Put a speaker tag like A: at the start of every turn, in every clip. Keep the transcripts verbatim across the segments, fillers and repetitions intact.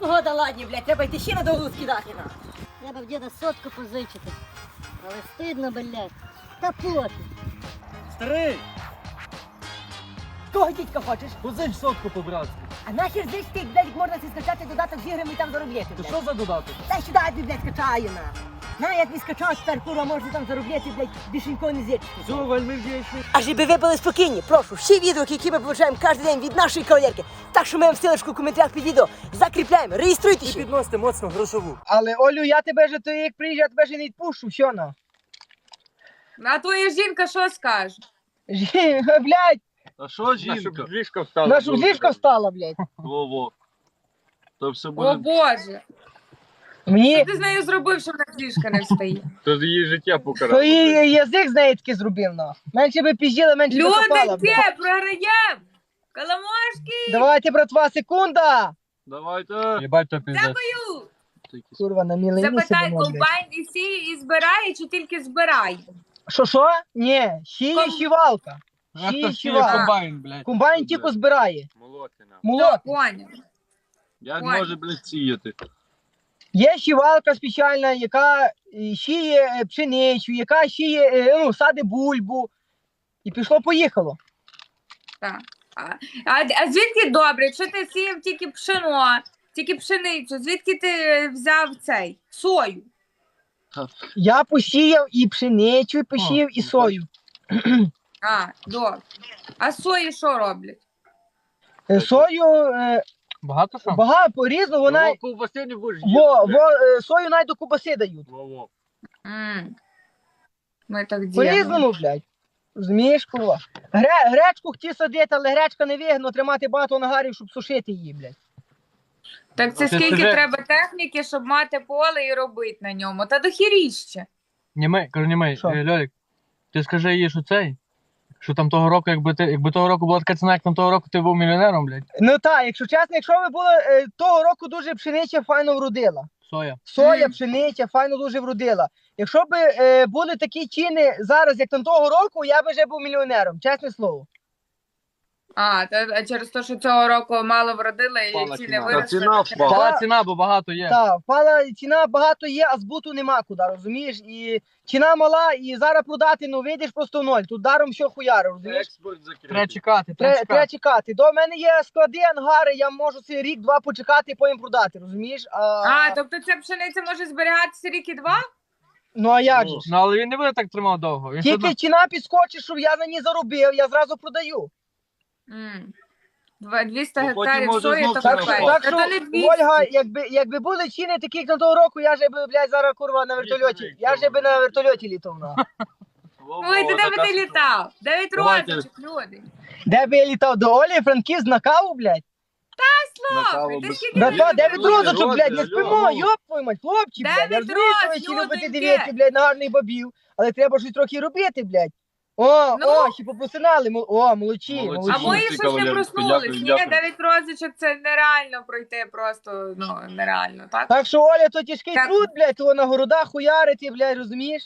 A: погода ладні, блядь, треба йти ще на довгу скидати на.
B: Треба в діда сотку позичити. Але стидно, блядь. Та пофіг.
C: Старий,
A: Кого дідька хочеш?
C: позич сотку по-братськи.
A: А нахер здесь ти, блядь, можна си скачати додаток з іграми і там заробляти,
C: То
A: блядь.
C: що за додаток?
A: Дай сюди, я тобі, блядь, скачаю, на. На, я тобі скачав, тепер, курва, можна там заробляти, блядь, більше нікого не зірчити.
C: Все, вельми вдячний.
A: А щоб ви були спокійні, прошу, всі відео, які ми получаємо кожен день від нашої кавалерки, так що ми вам ссылочку в коментарях під відео закріпляємо,
C: І
A: реєструйтеся.
C: підносите моцно грошову.
D: Але Олю, я тебе же то як приїжджу, я тебе же не відпущу, що на?
E: А твоя жінка що скаже?
D: Жі- Блядь,
F: А що жінка?
G: Ліжко встало.
D: наша ліжка встала, блядь.
F: Во-во. То все
E: О
F: буде.
E: Боже,
D: Мені
E: що ти з нею зробив, що вона з ліжка не встає?
G: То її життя покарало.
D: твої язик з неї таки зробив, на. Менше би пізділа, менше би копала,
E: Люди,
D: блядь.
E: де програєм? Коломошки,
D: Давайте, братва, секунда.
F: Давайте.
G: Єбать, то піздець.
E: дякую.
D: Курва, на мілені
E: Запитай,
D: сидимо, блядь.
E: комбайн і сіє і збирає, чи тільки збирає?
D: Що, що? Ні, щіє
E: Ком-
D: щівалка.
G: А
D: Щіє
G: хто сіє
D: щівалка.
G: комбайн, блядь?
D: Комбайн тільки збирає.
G: Молотина.
D: Молот.
E: Поняв.
F: Як
E: Ой.
F: може, блядь, сіяти?
D: Є щівалка спеціальна, яка е, щіє е, пшеницю, яка щіє, е, ну, сади бульбу. І пішло-поїхало.
E: Так. А, а, а звідки добре, якщо ти сіяв тільки пшено, тільки пшеницю, звідки ти взяв цей сою?
D: Я посіяв і пшеницю, і посіяв, і
F: ну,
D: сою.
E: А, добре. А сої що роблять?
D: Е, Сою е,
G: Багато що?
D: багато по-різному, вона...
G: Вона ковбаси не будеш
D: Во, во, е, сою навіть до кубаси дають.
G: Во-во.
E: М. Ми так діємо.
D: По-різному, блядь. Розумієш, курва? Гре, гречку хотів садити, але гречка не вигідно тримати багато нагарів, щоб сушити її, блядь.
E: Так це
G: Ти
E: скільки
G: скажи-
E: треба техніки, щоб мати поле і робити на ньому? Та дохіріще.
G: Німей, кажу, німей,
D: Що?
G: е, Льолік, ти скажи їй, що цей, що там того року, якби ти, якби того року була така ціна, як там того року ти був мільйонером, блядь,
D: Ну так, якщо чесно, якщо ви були е, того року дуже пшениця файно вродила.
G: соя.
D: Соя,
E: Мгм.
D: пшениця файно дуже вродила. Якщо б е, були такі ціни зараз, як там того року, я би вже був мільйонером, чесне слово.
E: А, та, а через те, що цього року мало вродили і
G: Впала
E: ціни
G: ціна.
F: Та
E: виросли.
F: ціна впала.
G: Впала ціна, бо багато є.
D: Так, впала ціна багато є, а збуту нема куди, розумієш? І ціна мала, і зараз продати, ну вийдеш просто в ноль. Тут даром що хуяри, розумієш?
F: Експорт
G: Треба
F: закритий.
G: чекати, треба
D: Тре- Треба
G: чекати.
D: чекати. До мене є склади, ангари, я можу цей рік-два почекати і потім продати, розумієш? А,
E: А, тобто ця пшениця може зберігатися рік і два?
D: Ну а як
F: Ну,
D: же ж?
G: Ну, але він не буде так тримав довго. Він все
D: Тільки
G: одно-
D: ціна підскочить, щоб я на ній заробив, я зразу продаю.
E: М. Два- двісті
F: Ну, потім
E: гектарів
F: може
E: сої,
F: знов
E: то
F: ціна
D: Так що,
F: Ага.
E: капець.
D: так
E: Та
D: що
E: то не двісті.
D: Ольга, якби, якби були ціни такі, як на того року, я же би, блядь, зараз курва на вертольоті. Я же би на вертольоті літав. На.
F: Во-во,
E: Ой, ти де би
F: така
E: ти
F: ситуація.
E: літав? Дев'ять
F: Давайте.
E: розочок, люди.
D: Де би я літав? До Олі, Франківськ на каву, блядь?
F: На каву
E: Слухай, ти
F: без-
E: скільки
D: Братва,
E: Ні,
D: дев'ять
E: люди,
D: розочок, блядь, не
F: люди,
D: спимо,
F: люди.
D: йоп твою мать, хлопці, блядь. Я
E: Дев'ять
D: розумію, що ви
E: роз,
D: всі любите
E: людоньки.
D: дивитися, блядь, на гарних бабів, але треба щось трохи робити, блядь. О,
E: Ну.
D: о, ще попросинали, мол- о, молодці,
F: Молодці.
E: А
D: молодці.
E: мої
F: Ці
E: щось не
F: кавалерки,
E: проснулись.
F: дякую,
E: Ні,
F: дякую.
E: дев'ять розочок це нереально пройти, просто, ну, нереально, так?
D: Так що, Оля, то тяжкий
E: Так.
D: труд, блядь, то на городах хуярити, блядь, розумієш?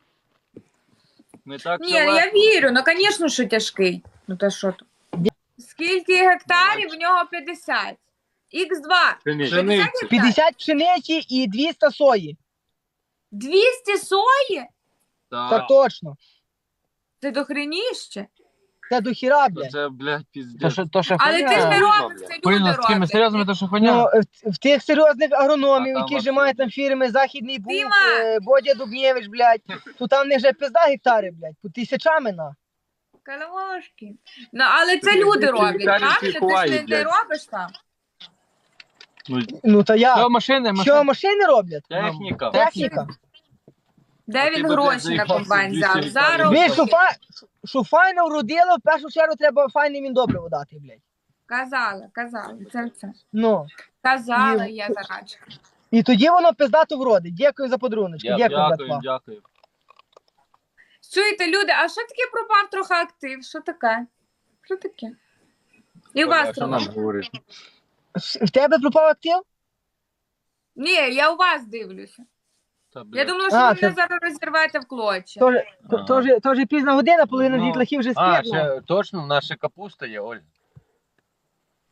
F: Не так
E: Ні,
F: все
E: ну я
F: легко.
E: вірю, ну, звісно, що тяжкий. Ну, та що то? Скільки гектарів? В нього п'ятдесят. ікс два.
G: Пшениця.
E: п'ятдесят
F: Пшениця.
E: гектарів?
D: п'ятдесят пшениці і двісті сої.
E: двісті сої?
F: Так.
D: Так точно.
E: Це дохреніще.
D: Це до хіра,
F: То
D: блядь.
F: Це, блядь,
G: То
F: піздець.
G: ще, то ще
E: Але
G: хуйня.
E: ти ж не
F: Хуйня,
E: робиш,
F: блядь.
E: це люди
G: Порівняно з такими
E: роблять.
G: серйозними, то ще
D: Ну,
G: хуйня.
D: в, в тих серйозних агрономів,
F: А там
D: які
F: вообще.
D: вже мають там фірми Західний Буг,
E: Діма!
D: е, Бодя Дубнєвич, блядь, то там в них вже пизда гектари, блядь, по тисячами, на.
E: Каламошки. Ну, але це
F: Ти-
E: люди
F: ти
E: роблять,
F: Віталій
E: правда? Ти ж
F: Чайковай,
E: не, не
F: блядь.
E: робиш там.
F: Ну,
D: Ну, та
G: Що
D: я.
G: машини,
D: Що
G: машини.
D: машини роблять?
F: техніка.
D: Техніка.
E: Де
F: А ти
E: він
F: би, блядь,
E: гроші на
F: заїхався
E: комбайн
F: в двісті
E: взяв?
F: гектарів.
E: Зараз.
D: Ви, що, фа... що файно вродило, в першу чергу треба файне він добре водати, блядь.
E: Казала, казала. Це це.
D: Ну.
E: Казала
D: Ні.
E: я зарачка.
D: І тоді воно пиздато вродить. Дякую за подаруночки.
F: Я-
D: Дякую,
F: Дякую,
D: братва.
F: дякую.
E: Чуєте, люди, а що таке пропав трохи актив? Що таке? Що таке? І у вас
G: Що нам
E: трохи.
G: говорить?
D: С- В тебе пропав актив?
E: Ні, я у вас дивлюся.
F: Та,
E: Я
F: блядь.
E: думала, що
D: А,
E: ви
D: це-
E: мене зараз розірвете в клочі.
D: Тоже,
F: Ага.
D: тоже, тоже пізна година, половина
G: Ну,
D: дітлахів вже
G: А,
D: спить. ну.
G: ще точно, наша капуста є, Оль.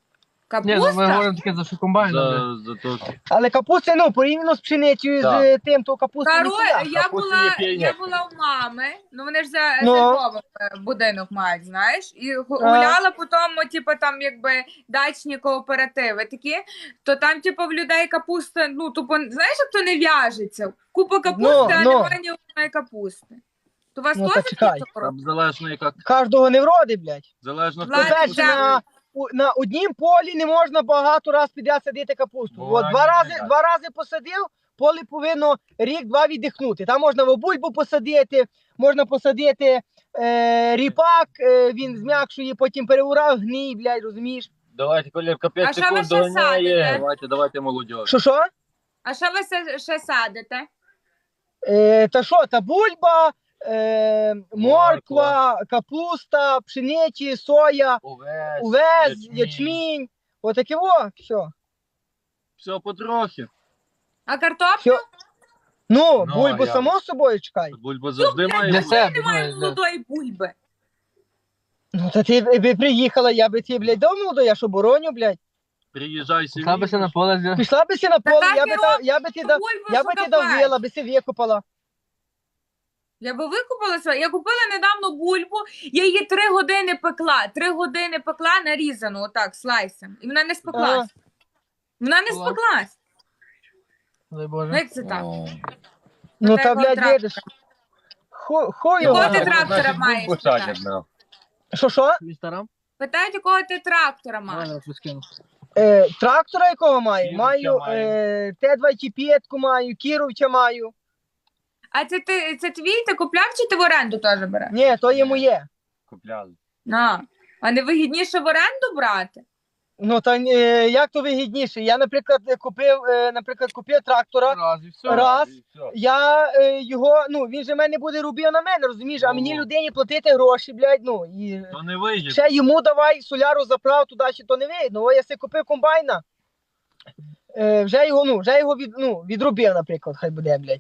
G: Ні, ну ми
E: Капуста?
G: говоримо таке за що комбайн. блядь.
F: За, за то.
D: Але капуста, ну, порівняно з пшеницею, з
F: Так.
D: е, тим, то капуста
E: Король,
D: ніхуя.
E: я
F: Капусти
E: була,
F: є піонерки.
E: я була у мами, ну вони ж за
D: Ну.
E: зерновий будинок мають, знаєш, і гу- гуляла по тому, типу, там якби дачні кооперативи такі, то там, типу, в людей капуста, ну, тупо, знаєш, як то не в'яжеться. Купа капусти,
D: Ну,
E: а
D: ну.
E: немає ні одної капусти. То у вас
D: Ну,
E: теж
D: та
E: такі
D: чекай.
E: топори?
F: Там залежно яка,
D: Кожного не вроди, блядь.
F: залежно хто
E: Ладно,
D: По-перше,
E: дякую.
D: на, у- на однім полі не можна багато раз підряд садити капусту.
F: Ну,
D: От
F: а
D: два
F: ні,
D: рази,
F: ні,
D: два рази посадив, поле повинно рік-два віддихнути. Там можна в бульбу посадити, можна посадити е, ріпак, е, він зм'якшує, потім переурав, гній, блядь, розумієш?
F: Давайте, колірка,
E: А
F: п'ять
E: що ви
F: секунд
E: ще
F: доганяє.
E: садите?
F: Давайте, давайте, молодь.
D: Що що?
E: А що ви се- ще садите?
D: Е, та що, та бульба, е, морква, капуста, пшениці, соя,
F: Овес,
D: увес, ячмінь. Отаке во, все.
F: Все потрохи.
E: А картоплю?
D: Все. Ну,
F: Ну,
D: бульбу
F: а я-
D: само собою чекай.
F: Бульба завжди має
G: Для
F: бути.
G: себе.
E: Немає
G: ну,
E: молодої бульби.
D: Ну, та ти би приїхала, я би ти, блядь, давно до я що бороню, блядь.
F: Приїжджай сім'ї.
G: Пішла би си на поле, зі-
D: Пішла би си на поле,
E: так
D: я
E: і
D: би, та, я би ти дав,
E: Бульбу
D: я би ти
E: шукапець.
D: давила, би си викопала.
E: Я би викупила своє. Я купила недавно бульбу, я її три години пекла. Три години пекла нарізану, отак, слайсом. І вона не спеклась. Вона не
G: Клас.
E: спеклась.
G: дай
E: Ну,
G: Боже.
E: як це так?
D: Ну,
E: Та
D: та,
E: якого
D: блядь,
E: трактора?
D: видиш. Ху- Хуй
E: Якого
D: його.
E: ти трактора
F: Значить,
E: маєш?
F: бульбу садять, да.
D: Що, що?
G: Інстаграм?
E: Питають, якого ти трактора маєш?
G: Ладно, скину.
D: Е, трактора якого маю?
F: Кіровця
D: Маю
F: маю.
D: е, Т двадцять п'ять маю, Кіровця маю.
E: А це ти це твій, ти купляв чи ти в оренду теж береш?
D: Ні, то є моє.
F: Купляли.
E: А, а не вигідніше в оренду брати?
D: Ну, та е, як то вигідніше? Я, наприклад, купив, е, наприклад, купив трактора.
G: Раз і все.
D: Раз.
F: І все.
D: Я е, його, ну, він же мене буде робив на мене, розумієш? А
F: Ну.
D: мені людині платити гроші, блядь, ну, і
F: То не вийде.
D: ще йому давай соляру заправ туди, чи то не вийде. О, я си купив комбайна, е, вже його, ну, вже його від, ну, відробив, наприклад, хай буде, блядь.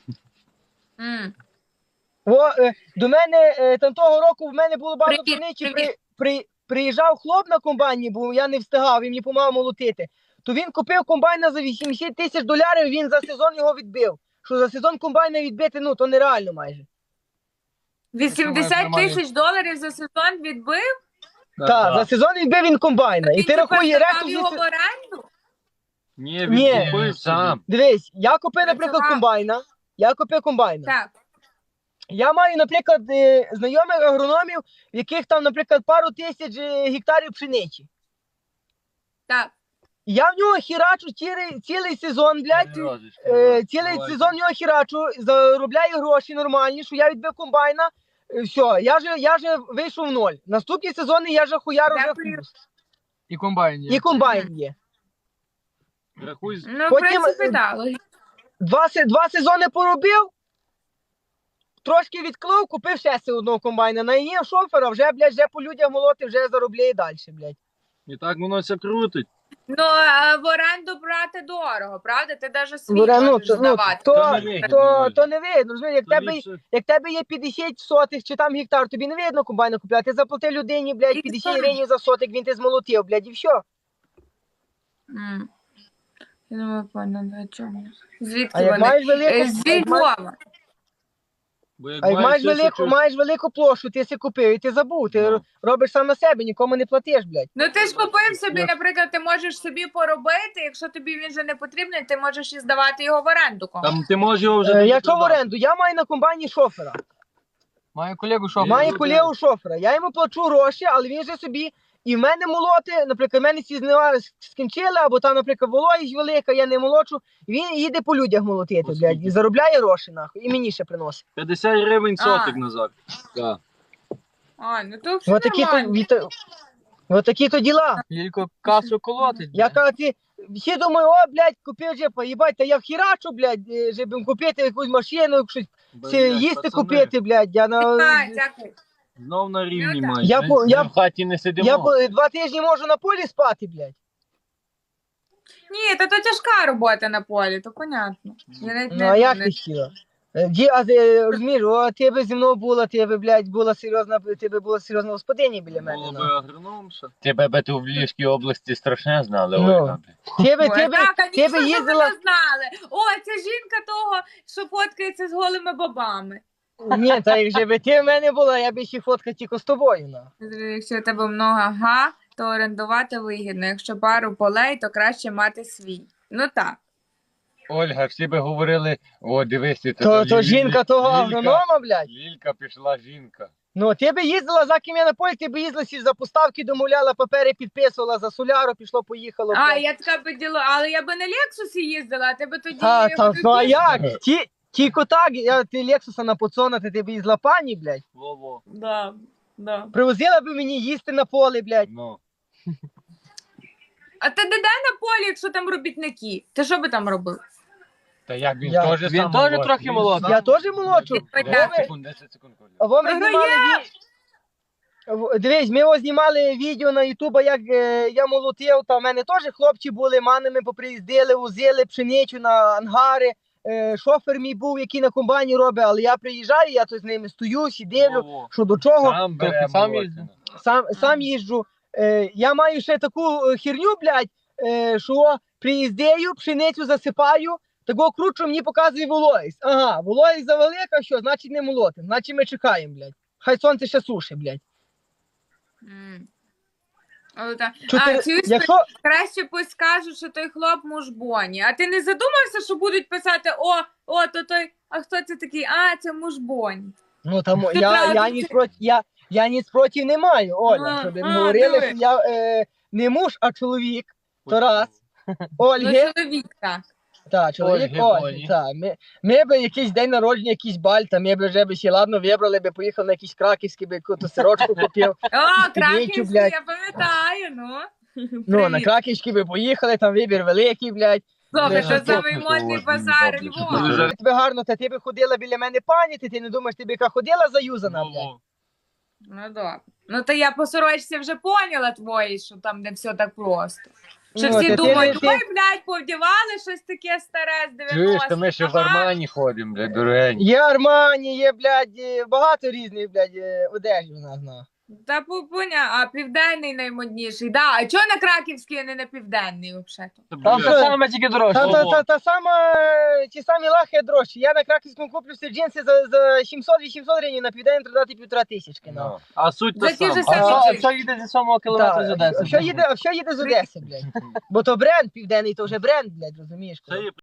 E: М.
D: О, е, до мене, е, там того року в мене було багато
E: Привіт,
D: пшениці, при,
E: привіт.
D: при, приїжджав хлоп на комбайні, бо я не встигав, він мені помагав молотити. То він купив комбайна за вісімдесят тисяч доларів, він за сезон його відбив. Що за сезон комбайна відбити, ну, то нереально майже.
E: вісімдесят тисяч доларів за сезон відбив?
D: Так, за сезон відбив він комбайна. І ти рахуй
E: тепер
D: решту
E: здавав його в
D: звідси-
E: оренду?
F: Ні,
D: Ні.
F: він купив сам.
D: Дивись, я купив,
E: Працював.
D: наприклад, комбайна. Я купив комбайна.
E: Так.
D: Я маю, наприклад, е, знайомих агрономів, в яких там, наприклад, пару тисяч е, гектарів пшениці.
E: Так.
D: Я в нього хірачу цілий, цілий сезон, блядь.
F: Розочки,
D: Е, цілий
F: давайте.
D: сезон в нього хірачу, заробляю гроші нормальні, що я відбив комбайна. е, Все, я же, я же вийшов в ноль. Наступні сезони я же хуяру вже
E: Дякую.
D: плюс.
G: І комбайн є.
D: І комбайн є.
F: Рахуй,
E: Ну, в
D: Потім,
E: принципі,
D: е,
E: так.
D: Два, се- два сезони поробив, трошки відклав, купив ще си одного комбайна. Найняв шофера, вже, блядь, вже по людях молоти, вже заробляє далі, блядь.
F: і так воно все крутить.
E: Ну, а в оренду брати дорого, правда? Ти навіть свій
D: Бля, ну,
E: можеш
D: то, ну,
E: здавати.
D: то,
F: То не вигідно,
D: то,
F: Оля.
D: то не видно, розумієш, як
F: То
D: тебе,
F: ліпше-
D: як тебе є п'ятдесят сотих чи там гектар, тобі не видно комбайна купляти, ти заплатив людині, блядь,
E: І
D: п'ятдесят
E: то-
D: гривень за сотик, він ти змолотив, блядь, і все.
E: М. Я думаю, поняла, о чому. Звідки
D: А як
E: вони?
D: маєш велику,
E: Е,
D: а
E: З
D: як маєш,
E: Львова.
F: Бо як
D: а як маєш
F: маєш
D: велику,
F: тисячу-
D: маєш велику площу, ти си купив і ти забув, ти
F: Ну.
D: робиш сам на себе, нікому не платиш, блядь.
E: Ну ти ж купив собі,
D: Я-
E: наприклад, ти можеш собі поробити, якщо тобі він вже не потрібний, ти можеш і здавати його в оренду комусь.
F: Там ти можеш його вже...
D: Е,
F: тоді
D: Якщо в
F: продати.
D: оренду, я маю на комбайні шофера.
G: Маю колегу, що
F: Є.
D: Має
F: люди-
D: колегу шофера. Я йому плачу гроші, але він же собі і в мене молоти, наприклад, в мене ці знива скінчили, або там, наприклад, вологість велика, я не молочу. Він їде по людях молотити,
F: По
D: блядь,
F: скільки?
D: і заробляє гроші, нахуй, і мені ще приносить.
F: п'ятдесят гривень сотик
E: А.
F: назад. Так.
E: А, ну то все
D: Ось такі то,
E: нормально.
D: віта- от такі то діла.
G: Тільки касу колотить.
D: Я
G: блядь.
D: кажу, ти, всі думаю, о, блядь, купив джепа, їбать, та я вхірачу, блядь, е, щоб їм купити якусь машину, щось
F: Блядь,
D: це, їсти
F: пацани,
D: купити, блядь. Я, на,
E: А, дякую.
F: Знов на рівні
E: Ну, так.
F: мають.
D: Я
F: Ми-
D: по- я-
F: ми в хаті не сидимо.
D: я по- два тижні можу на полі спати, блядь.
E: Ні, та то тяжка робота на полі, то понятно. Я навіть
D: Ну,
E: не-
D: а як
E: не-
D: ти хотіла? Е, Ді, а ти розумієш, о, ти би зі мною була, ти би, блядь, була серйозна, ти би була серйозна господиня біля мене.
F: Було би
D: ну.
F: агрономша.
H: Тебе би тут в Львівській області страшне знали,
D: Ну.
H: Ольга.
D: Ти би, ти
E: Ой,
D: би,
E: так,
D: ти
E: звісно,
D: би
E: що
D: їздила...
E: ви не знали. О, це жінка того, що фоткається з голими бабами.
D: Ні, та якщо би ти в мене була, я би ще фоткав тільки з тобою, ну.
E: Якщо у тебе много га, то орендувати вигідно. Якщо пару полей, то краще мати свій. Ну так.
H: Ольга, всі би говорили, о, дивись, це
D: То, то
H: Лілі-
D: жінка того
H: Лілька-
D: агронома, блядь.
H: Лілька пішла жінка.
D: Ну, ти би їздила за ким я на полі, ти би їздила сі за поставки, домовляла, папери підписувала, за соляру пішло, поїхало.
E: А,
D: блядь.
E: я така би діло, але я би на Лексусі їздила, а ти би тоді...
D: Та, та, ну а
E: тоді-
D: як? Ті, тільки так, я, ти Лексуса на поцонати, ти б їздила пані, блядь.
F: Во-во.
E: Да, да.
D: Привозила би мені їсти на поле, блядь.
F: Ну.
E: А ти де на полі, якщо там робітники? Ти що би там робив?
H: Та як він
D: Я-
H: теж
G: Він
H: сам
G: теж
H: молодший.
G: трохи
H: Він
G: молодший.
H: сам-
D: Я теж молодшу.
H: десять
E: Так.
H: секунд, десять секунд, Коля.
D: А ви ми
E: Ага,
D: знімали ві... В- Дивись, ми ось знімали відео на Ютуба, як е, я молотив, та в мене теж хлопці були, манами поприїздили, возили пшеницю на ангари. Е, шофер мій був, який на комбайні робить, але я приїжджаю, я тут з ними стою, сідивлю,
F: Во-во.
D: що до чого.
H: Сам
G: Трохи
H: бере
G: сам
H: молодшина.
D: Сам, сам їжджу. Е, я маю ще таку е, херню, блядь, е, що приїздею, пшеницю засипаю, такого кручу мені показує вологість. Ага, вологість завелика, що, значить не молотим, значить ми чекаємо, блядь. Хай сонце ще суше, блядь.
E: М. О, та-
D: Чотири-
E: А, чуєш,
D: Якщо...
E: краще пусть скажуть, що той хлоп муж Боні. А ти не задумався, що будуть писати, о, о, то той, а хто це такий? А, це муж Боні.
D: Ну там
E: Ти
D: я,
E: правда,
D: я,
E: ти-
D: ніч проти, я, я ніч проти не маю, Оля,
E: А,
D: щоб
E: а,
D: говорили,
E: диви.
D: що я е, не муж, а чоловік. То раз.
E: Ну,
D: Ольги,
E: чоловік так.
D: так, чоловік
H: Ольги,
D: Ольги,
H: Боні.
D: так. Ми, ми би якийсь день народження, якийсь баль, там ми б вже би ще ладно вибрали, би поїхав на якийсь краківський, би якусь сирочку купив.
E: О,
D: Підвічу,
E: Краківський,
D: блядь.
E: я пам'ятаю, ну.
D: Ну, на
E: Привіт.
D: краківський би поїхали, там вибір великий, блядь.
E: Слухай,
D: Дуже
E: це самий
H: добре,
E: модний
H: що
E: базар
H: добре, що
E: Львова.
H: дуже-
D: Тебе гарно, та ти би ходила біля мене пані, ти, ти не думаєш, ти би яка ходила заюзана, блядь.
F: Во-во.
E: Ну добре. Ну то я по сорочці вже поняла твої, що там не все так просто. Що
D: Ну,
E: всі
D: та ти
E: думають,
D: не- ти-
E: ой, блядь, повдівали щось таке старе з
H: Чуєш,
E: дев'яностих.
H: то ми ще в
E: Ага.
H: Армані ходимо, блядь, дорогень.
D: Є Армані, є, блядь, е, багато різних, блядь, е, одежі у нас, ну.
E: Та пупуня, а південний наймодніший. Да, а чого на Краківський, а не на південний взагалі?
G: Там
D: що?
G: все саме тільки дорожче.
D: Та, та, та, та сама, е, ті самі лахи дорожчі. Я на краківському куплю всі джинси за, за сімсот-вісімсот гривень, на південь продати півтора тисячки, ну.
H: Ну.
F: А суть та
E: За ті ж
F: сама.
G: А
E: самі
G: що, а
E: джинси.
G: що їде зі сьомого кілометра з
D: Так,
G: Одеси?
D: що їде, що їде з Одеси, блядь? Бо то бренд південний, то вже бренд, блядь, розумієш?
F: Це є